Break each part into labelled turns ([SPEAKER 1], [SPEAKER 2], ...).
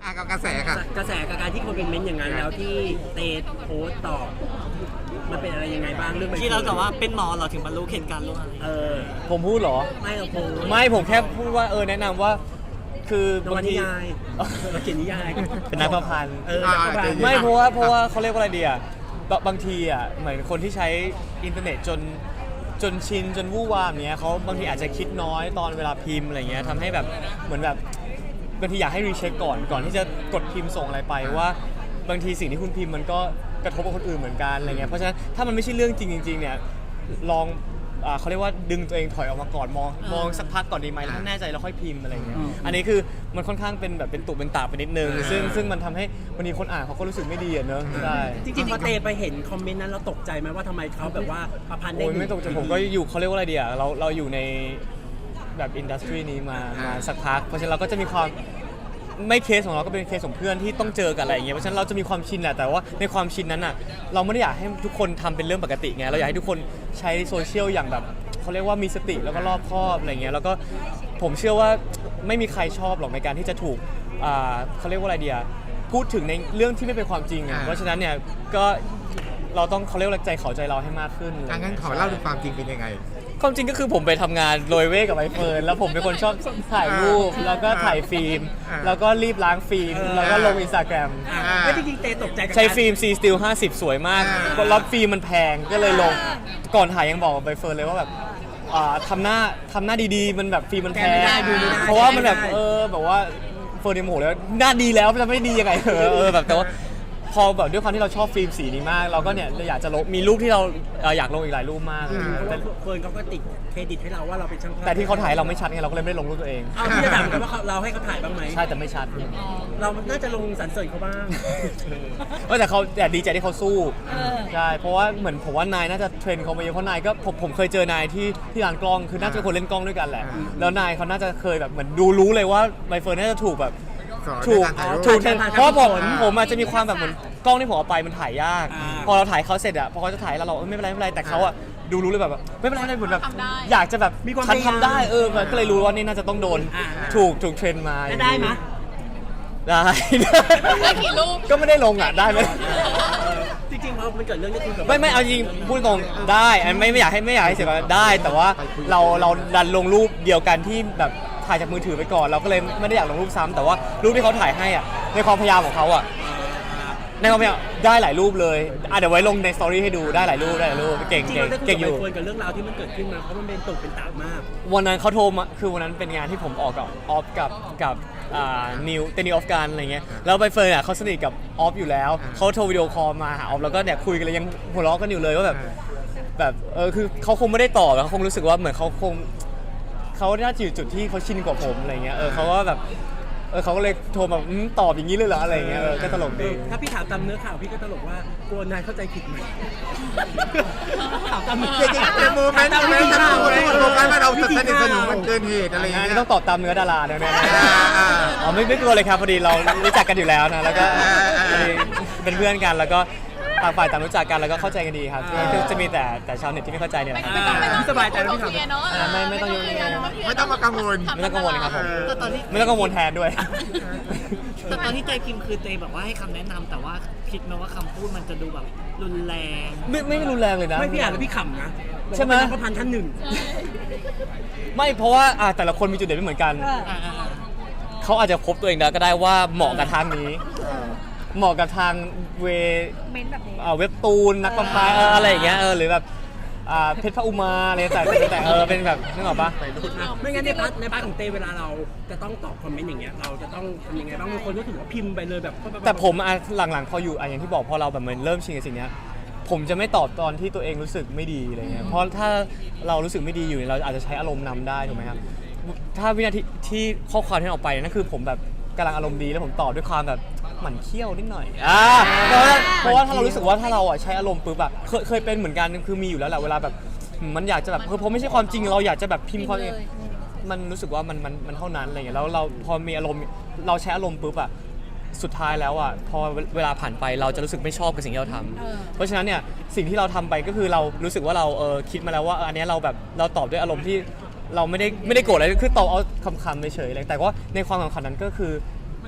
[SPEAKER 1] กับกระแสค่ะ
[SPEAKER 2] กระแสกับการที่คนเป็นเม้นต์อย่างนั้นแล้วที่เตโพสต์ตอบมันเป็นอะไรยังไงบ้างเรื่อง
[SPEAKER 3] ที่เราแต่ว่าเป็นหมอเราถึงบรรลุเหตุการณ์รู้อะไร
[SPEAKER 4] ผมพูดเหรอ
[SPEAKER 2] ไม่เราโพสต์
[SPEAKER 4] ไม่ผมแค่พูดว่าแนะนำว่าคือน
[SPEAKER 2] วนิยายเราเขียนนิยาย
[SPEAKER 4] เป็นนักประพันธ์
[SPEAKER 2] ไม่
[SPEAKER 4] ไม่เพราะว่าเขาเรียกว่าอะไรดีอ่ะบางทีอ่ะเหมือนคนที่ใช้อินเทอร์เน็ตจนชินจนวู่วามเนี้ยเขาบางทีอาจจะคิดน้อยตอนเวลาพิมพ์อะไรเงี้ยทำให้แบบเหมือนแบบบางทีอยากให้รีเช็คก่อนที่จะกดพิมพ์ส่งอะไรไปว่าบางทีสิ่งที่คุณพิมพ์มันก็กระทบกับคนอื่นเหมือนกันอะไรเงี้ยเพราะฉะนั้นถ้ามันไม่ใช่เรื่องจริงเนี่ยลองเขาเรียกว่าดึงตัวเองถอยออกมาก่อนมองสักพักก่อนดีไหมแล้วถ้าแน่ใจแล้วค่อยพิมพ์อะไรเงี้ยอันนี้คือมันค่อนข้างเป็นแบบเป็นตุเป็นตาไปนิดนึงซึ่งมันทำให้วันนี้คนอ่านเขาก็รู้สึกไม่ดีอะเนอะใช่
[SPEAKER 2] จริงๆพอเตไปเห็นคอมเมนต์นั้นเราตกใจไหมว่าทำไมเขาแบบว่าประพันธ์ได้
[SPEAKER 4] ไม่ตกใจผมก็อยู่เขาเรียกว่าอะไรดีอะเราอยู่ในแบบอินดัสทรีนี้มาสักพักเพราะฉะนั้นเราก็จะมีความไม่เคสของเราก็เป็นเคสของเพื่อนที่ต้องเจอกับอะไรอย่างเงี้ยเพราะฉะนั้นเราจะมีความชินแหละแต่ว่าในความชินนั้นอ่ะเราไม่ได้อยากให้ทุกคนทำเป็นเรื่องปกติไงเราอยากให้ทุกคนใช้โซเชียลอย่างแบบเขาเรียกว่ามีสติแล้วก็รอบคอบอะไรเงี้ยแล้วก็ผมเชื่อว่าไม่มีใครชอบหรอกในการที่จะถูกเขาเรียกว่าอะไรเดียพูดถึงในเรื่องที่ไม่เป็นความจริงอ่ะเพราะฉะนั้นเนี่ยก็เราต้องเขาเรียกว่าใจเขาใจเราให้มากขึ้น
[SPEAKER 1] งั้นขอเล่าถึงความจริงเป็นยังไง
[SPEAKER 4] ความจริงก็คือผมไปทำงานโรยเว่กับใบเฟิร์นแล้วผมเป็นคนชอบถ่ายรูปแล้วก็ถ่ายฟิล์มแล้วก็รีบล้างฟิล์มแล้วก็ลง Instagram
[SPEAKER 2] ไม่จริงๆเตตกใจ
[SPEAKER 4] ใช้ฟิล์ม C Still 50 สวยมากแล้วฟิล์มมันแพงก็เลยลงก่อนถ่ายยังบอกกับใบเฟิร์นเลยว่าแบบทำหน้าดีๆมันแบบฟิล์มมันแพงเพราะว่ามันแบบแบบว่าเฟิร์นยังโมโหแล้วหน้าดีแล้วจะไม่ดียังไงแบบแต่ว่าพอแบบด้วยความที่เราชอบฟิล์มสีนี้มากเราก็เนี่ยอยากจะลงมีรูปที่เราอยากลงอีกหลายรูปมาก
[SPEAKER 2] แต่เฟิร์นเขาก็ติดเครดิตให้เราว่าเราเป็นช่างภาพ
[SPEAKER 4] แต่ที่เขาถ่ายเราไม่ชัดไงเราก็เลยไม่ได้ลงรูปตัวเอง
[SPEAKER 2] พี่จะถามกันว่าเราให้เขาถ่ายบ้างไหม
[SPEAKER 4] ใช่แต่ไม่ชัด
[SPEAKER 2] เราน่าจะลงสรรเสริญเขาบ้าง
[SPEAKER 4] แต่ดีใจที่เขาสู้ใช่เพราะว่าเหมือนผมว่านายน่าจะเทรนเขามาเยอะเพราะนายก็ผมเคยเจอนายที่ร้านกล้องคือน่าจะเป็นคนเล่นกล้องด้วยกันแหละแล้วนายเขาน่าจะเคยแบบเหมือนรู้เลยว่าใบเฟิร์นน่าจะถูกแบบถูกเพราะผมอาจจะมีความแบบเหมือนกล้องที่ผมเอาไปมันถ่ายยากพอเราถ่ายเขาเสร็จอะพอเขาจะถ่ายเราไม่เป็นไรแต่เขาอะรู้เลยแบบไม่เป็นไรเหมือนแบบอยากจะแบบฉันทำได้ก็เลยรู้ว่านี่น่าจะต้องโดนถูกเทรนมา
[SPEAKER 2] ได้ไหม
[SPEAKER 4] ได้
[SPEAKER 5] กี่รูป
[SPEAKER 4] ก็ไม่ได้ลงอ่ะได้ไหม
[SPEAKER 2] จริงๆพอมันเกิดเรื่องนี้คือ
[SPEAKER 4] ไม่เอาจริงพูดตรงได้ไม่อยากให้เสียได้ แต่ว่าเราดันลงรูปเดียวกันที่แบบถ่ายจากมือถือไปก่อนเราก็เลยไม่ได้อยากลงรูปซ้ำแต่ว่ารูปที่เขาถ่ายให้อ่ะในความพยายามของเขาอ่ะในความพยายามได้หลายรูปเลยเดี๋ยวไว้ลงในสตอรี่ให้ดูได้หลายรูปเก่งอยู่
[SPEAKER 2] กับเรื่องราวที่มันเกิดขึ้นมาเพราะมันเป็นตุกเป็นตามาก
[SPEAKER 4] วันนั้นเขาโทรมาคือวันนั้นเป็นงานที่ผมออกกับออฟกับนิวเตนิวออฟกันอะไรเงี้ยแล้วใบเฟิร์นเขาสนิทกับออฟอยู่แล้วเขาโทรวิดีโอคอลมาหาออฟแล้วก็เนี่ยคุยกันเลยยังหัวเราะกันอยู่เลยว่าแบบคือเขาคงไม่ได้ตอบแล้วเขาคงรู้สึกว่าเหมือนเขาน่าจะอยู่จุดที่เขาชินกว่าผมอะไรเงี้ยเขาก็แบบเขาก็เลยโทรมาตอบอย่างนี้เลยเหรออะไรเงี้ยก็ตลกดี
[SPEAKER 2] ถ้าพี่ถามตามเนื้อข่าวพี่ก็ตลกว่ากลัวนายเข้าใจผิดไหมถามตามเนื้อ
[SPEAKER 1] เป็นโมเมนต์ที่เราโฟกัสว่าเราสนิทสนมมันเกินเหตุอะไรอย่างเงี้ย
[SPEAKER 4] ต้องตอบตามเนื้อดาราเนี่ยไม่กลัวเลยครับพอดีเรารู้จักกันอยู่แล้วนะแล้วก็เป็นเพื่อนกันแล้วก็ต่างฝ่ายต่างรู้จักกันแล้วก็เข้าใจกันดีครับจะมีแต่ชาวเน็ตที่ไม่เข้าใจเนี่ยแหละ
[SPEAKER 2] สบายใจแล้วพี่ถาม
[SPEAKER 4] ไม่ต้องยุ่ง
[SPEAKER 1] ไม่ต้องมากังวล
[SPEAKER 4] ไม่ต้องกังวลครับผมไม่ต้องกังวลแทนด้วย
[SPEAKER 3] แต่ตอนที่เตยพิมพ์คือเตยแบบว่าให้คำแนะนำแต่ว่าคิดไหมว่าคำพูดมันจะดูแบบรุนแรง
[SPEAKER 4] ไม่รุนแรงเลยนะ
[SPEAKER 2] ไม่พี่อ่านแล้วพี่ขำนะ
[SPEAKER 4] ใช่ไหม
[SPEAKER 2] พระพันท่านหนึ่ง
[SPEAKER 4] ไม่เพราะว่าแต่ละคนมีจุดเด่นไม่เหมือนกันเขาอาจจะพบตัวเองได้ก็ได้ว่าเหมาะกับทางนี้เหมาะกับทางเว็บตูนนักประพันธ์อะไรอย่างเงี้ยหรือแบบเพชรพระอุมาอะไรแต่เป็นแบบนึกออกปะ
[SPEAKER 2] ไม่งั้นในพาร์ทของเตเวลาเราจะต้องตอบคอมเมนต์อย่างเงี้ยเราจะต้องทำยังไงบ้างบางคนก็ถือว่าพิมพ์ไปเลยแบบ
[SPEAKER 4] แต่ผมหลังๆพออยู่อย่างที่บอกพอเราแบบมันเริ่มชินกับสิ่งนี้ผมจะไม่ตอบตอนที่ตัวเองรู้สึกไม่ดีอะไรเงี้ยเพราะถ้าเรารู้สึกไม่ดีอยู่เราอาจจะใช้อารมณ์นำได้ถูกไหมครับถ้าวินาทีที่ข้อความที่ออกไปนั่นคือผมแบบกำลังอารมณ์ดีแล้วผมตอบด้วยความแบบหมั่นเคี้ยวนิดหน่อยเพราะว่าถ้าเรารู้สึกว่าถ้าเราใช้อารมณ์ปุ๊บเคยเป็นเหมือนกันคือมีอยู่แล้วแหละเวลาแบบมันอยากจะแบบเพราะไม่ใช่ความจริงเราอยากจะแบบพิมพ์ความมันรู้สึกว่ามันเท่านั้นอะไรเงี้ยแล้วเราพอมีอารมณ์เราใช้อารมณ์ปุ๊บสุดท้ายแล้วพอเวลาผ่านไปเราจะรู้สึกไม่ชอบกับสิ่งที่เราทำเพราะฉะนั้นเนี่ยสิ่งที่เราทำไปก็คือเรารู้สึกว่าเราคิดมาแล้วว่าอันนี้เราแบบเราตอบด้วยอารมณ์ที่เราไม่ได้โกรธอะไรคือตอบเอาคำๆเฉยๆเลยแต่ว่าในความสำคัญนั้นก็คือ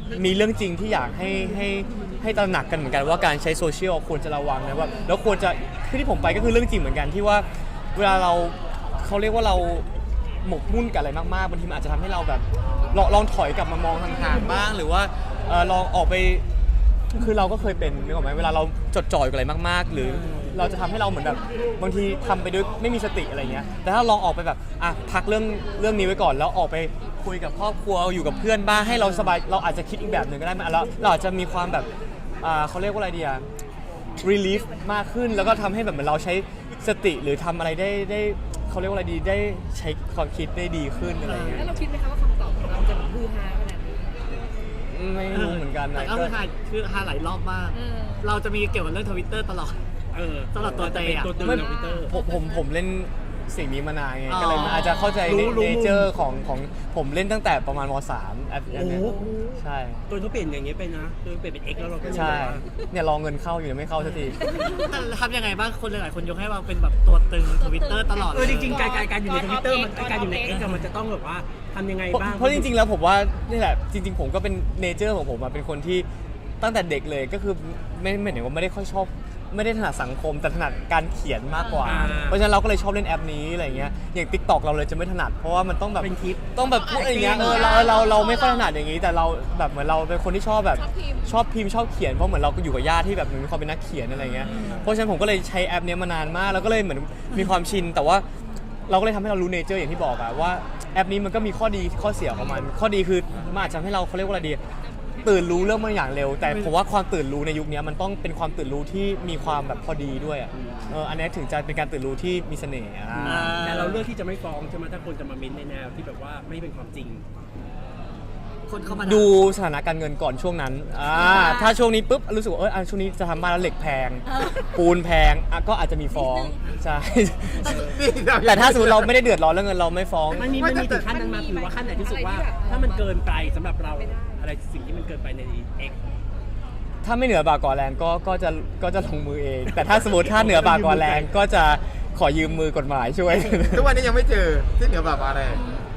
[SPEAKER 4] มีเรื่องจริงที่อยากให้ตระหนักกันเหมือนกันว่าการใช้โซเชียลควรจะระวังนะว่าแล้วควรจะที่ผมไปก็คือเรื่องจริงเหมือนกันที่ว่าเวลาเขาเรียกว่าเราหมกมุ่นกับอะไรมากๆบางทีมันอาจจะทำให้เราแบบลองถอยกลับมามองห่างๆบ้างหรือว่าลองออกไปคือเราก็เคยเป็นนึกออกไหมเวลาเราจดจ่อยกับอะไรมากๆ หรือเราจะทำให้เราเหมือนแบบบางทีทำไปด้วยไม่มีสติอะไรเงี้ยแต่ถ้าลองออกไปแบบพักเรื่องนี้ไว้ก่อนแล้วออกไปคุยกับครอบครัวอยู่กับเพื่อนบ้างให้เราสบายเราอาจจะคิดอีกแบบหนึ่งก็ได้แล้วเราอาจจะมีความแบบเขาเรียกว่าอะไรดีอะ relief มากขึ้นแล้วก็ทำให้แบบเหมือนเราใช้สติหรือทำอะไรได้เขาเรียกว่าอะไรดีได้ใช้ความคิดได้ดีขึ้นอะไรเงี้ย
[SPEAKER 5] แล้วเราคิดไหมคะว่าคำตอบของเราจะแบบฮือฮาขนาดนี้
[SPEAKER 4] ไม่รู้เหมือนกัน
[SPEAKER 3] แต่
[SPEAKER 4] นะ
[SPEAKER 3] ก็คือฮาหลายรอบมาก เราจะมีเกี่ยวกับเรื่องทวิตเตอร์ตลอด สำหรับตัวเตยอะ
[SPEAKER 2] ตัวตึง
[SPEAKER 4] ไม่
[SPEAKER 2] ในทวิตเตอร์
[SPEAKER 4] ผมเล่นสิ่งนี้มานานไง
[SPEAKER 3] อ๋อ
[SPEAKER 4] ก็เลยมันอาจจะเข้าใจ
[SPEAKER 2] รู้
[SPEAKER 4] เนเจอร์ของผมเล่นตั้งแต่ประมาณม.3 แอป
[SPEAKER 2] โอ้
[SPEAKER 4] เนี้ย
[SPEAKER 2] โห
[SPEAKER 4] ใช่
[SPEAKER 2] ตัวเขาเปลี่ยนอย่างเงี้ยไปนะตัวเปลี่ยนเป็น X แล้วเราก็ยัง
[SPEAKER 4] ใช่
[SPEAKER 2] แบบว่า
[SPEAKER 4] เนี่ยรอเงินเข้าอยู่ยังไม่เข้าสักที
[SPEAKER 3] แต่ทำยังไงบ้างคนหลายๆคนยกให้เราเป็นแบบตัวตึงทวิตเตอร์ตลอดเลย
[SPEAKER 2] จริงๆการอยู่ในทวิตเตอร์การอยู่ใน X มันจะต้องแบบว่าทำยังไงบ้าง
[SPEAKER 4] เพราะจริงๆแล้วผมว่านี่แหละจริงๆผมก็เป็นเนเจอร์ของผมอะเป็นคนที่ตั้งแต่เด็กเลยก็คือไม่เห็นว่าไม่ได้ค่อยชอบไม่ได้ถนัดสังคมแต่ถนัดการเขียนมากกว่า เพราะฉะนั้นเราก็เลยชอบเล่นแอปนี้อะไรเงี้ยอย่าง TikTok เราเลยจะไม่ถนัดเพราะว่ามันต้องแบบ
[SPEAKER 2] เป็นคลิป
[SPEAKER 4] ต้องแบบพูดอะไรเงี้ยเราไม่ค่อยถนัดอย่างนี้ แต่เราแบบเหมือนเราเป็นคนที่ชอบแบบชอบพิมพ์ชอบเขียนเพราะเหมือนเราก็อยู่กับญาติที่แบบมีความเป็นนักเขียนอะไรเงี้ยเพราะฉะนั้นผมก็เลยใช้แอปนี้มานานมากแล้วก็เลยเหมือนมีความชินแต่ว่าเราก็เลยทำให้เรารู้เนเจอร์อย่างที่บอกอะว่าแอปนี้มันก็มีข้อดีข้อเสียของมันข้อดีคือมันอาจจะทำให้เราเขาเรียกว่าอะไรดีตื่นรู้เรื่องบางอย่างเร็ว แต่ผมว่าความตื่นรู้ในยุคนี้มันต้องเป็นความตื่นรู้ที่มีความแบบพอดีด้วยอ่ะอันนี้ถึงจะเป็นการตื่นรู้ที่มีเสน่ห์
[SPEAKER 2] แต่เราเลือกที่จะไม่ฟ้องใช่ไหมถ้าคนจะมาเม้นในแนวที่แบบว่าไม่เป็นความจริง
[SPEAKER 3] คนเข้ามา
[SPEAKER 4] ดูสถานะการเงินก่อนช่วงนั้นถ้าช่วงนี้ปุ๊บรู้สึกว่าช่วงนี้จะทำบ้านแล้วเหล็กแพงปูนแพงก็อาจจะมีฟ้องใช่ แต่ถ้าสมมติเราไม่ได้เดือดร้อนเรื่องเงินเราไม่ฟ้อง
[SPEAKER 2] มันมีถึงขั้นนั้นมาหรือว่าขั้นไหนที่รู้สึกว่า ถ้ามันเกินไปสำหรับเราอะไรสิ่งที่มันเกินไปใน X
[SPEAKER 4] ถ้าไม่เหนือบากกว่าแรงก็จะลงมือเอง แต่ถ้าสมมติถ้าเหนือบากกว่าแรงก็จะขอยืมมือกฎหมายช่วย
[SPEAKER 1] ทุกวันนี้ยังไม่เจอที่เหนือแบบอะไร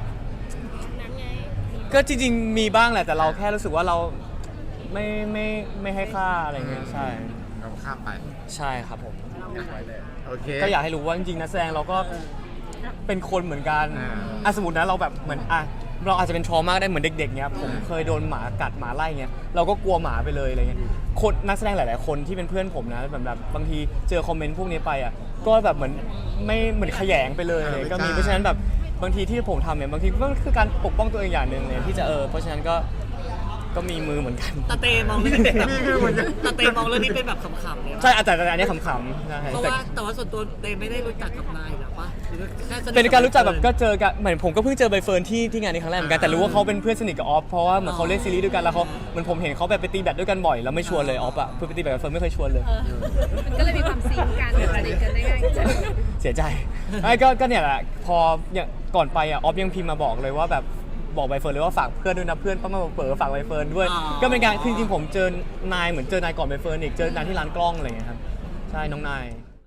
[SPEAKER 4] ก็จริงๆมีบ้างแหละแต่เราแค่รู้สึกว่าเราไม่ให้ค่าอะไรเงี้ยใช่
[SPEAKER 1] เราข้ามไป
[SPEAKER 4] ใช่ครับผม
[SPEAKER 1] โอเค
[SPEAKER 4] ก็อยากให้รู้ว่าจริงๆนักแสดงเราก็เป็นคนเหมือนกันสมมตินะเราแบบเหมือนเราอาจจะเป็นทรมาได้เหมือนเด็กๆเนี้ยผมเคยโดนหมากัดหมาไล่เงี้ยเราก็กลัวหมาไปเลยอะไรเงี้ยคนนักแสดงหลายๆคนที่เป็นเพื่อนผมนะแบบบางทีเจอคอมเมนต์พวกนี้ไปก็แบบเหมือนไม่เหมือนขยงไปเลยก็มีเพราะฉะนั้นแบบบางทีที่ผมทำเนี่ยบางทีก็คือการปกป้องตัวเองอย่างหนึ่งเลยที่จะเพราะฉะนั้นก็มีมือเหมือนกัน
[SPEAKER 3] ตาเตมองเรื่องนี้เป็นแบบ
[SPEAKER 1] นี่คือเหมือนกัน
[SPEAKER 3] ตาเตมองเรื่องนี้เป็นแบบขำๆเลย
[SPEAKER 4] ใช่แต่อันนี้ขำๆใช่
[SPEAKER 3] เพราะว่าแต่ว่าส่วนตัวเตไม่ได้รู้จักกับนายหรอปะหรือแค่สนิท
[SPEAKER 4] เป็นการรู้จักแบบก็เจอกันเหมือนผมก็เพิ่งเจอใบเฟิร์นที่งานนี้ครั้งแรกเหมือนกันแต่รู้ว่าเขาเป็นเพื่อนสนิทกับออฟเพราะว่าเหมือนเขาเล่นซีรีส์ด้วยกันแล้วเขาเหมือนผมเห็นเขาแบบไปตีแบดด้วยกันบ่อยแล้วไม่ชวนเลยออฟเพื่อไปตีแบดกับเฟิร์นไม่เคยชวนเลย
[SPEAKER 5] มันก็เลยมีความซิงกันสนิทกันได้ง่ายขึ้น
[SPEAKER 4] เสียใจก็เนี่ยแหละพออย่างก่อนไปออฟยังพิมพ์มาบอกเลยว่าแบบบอกใบเฟิร์นเลยว่าฝากเพื่อนด้วยนะเพื่อนป้ามาเปิดฝากใบเฟิร์นด้วยก็เป็นการจริงๆผมเจอนายเหมือนเจอนายก่อนใบเฟิร์นอีกเจอนายที่ร้านกล้องอะไรอย่างเงี้ยครับใช่น้องนาย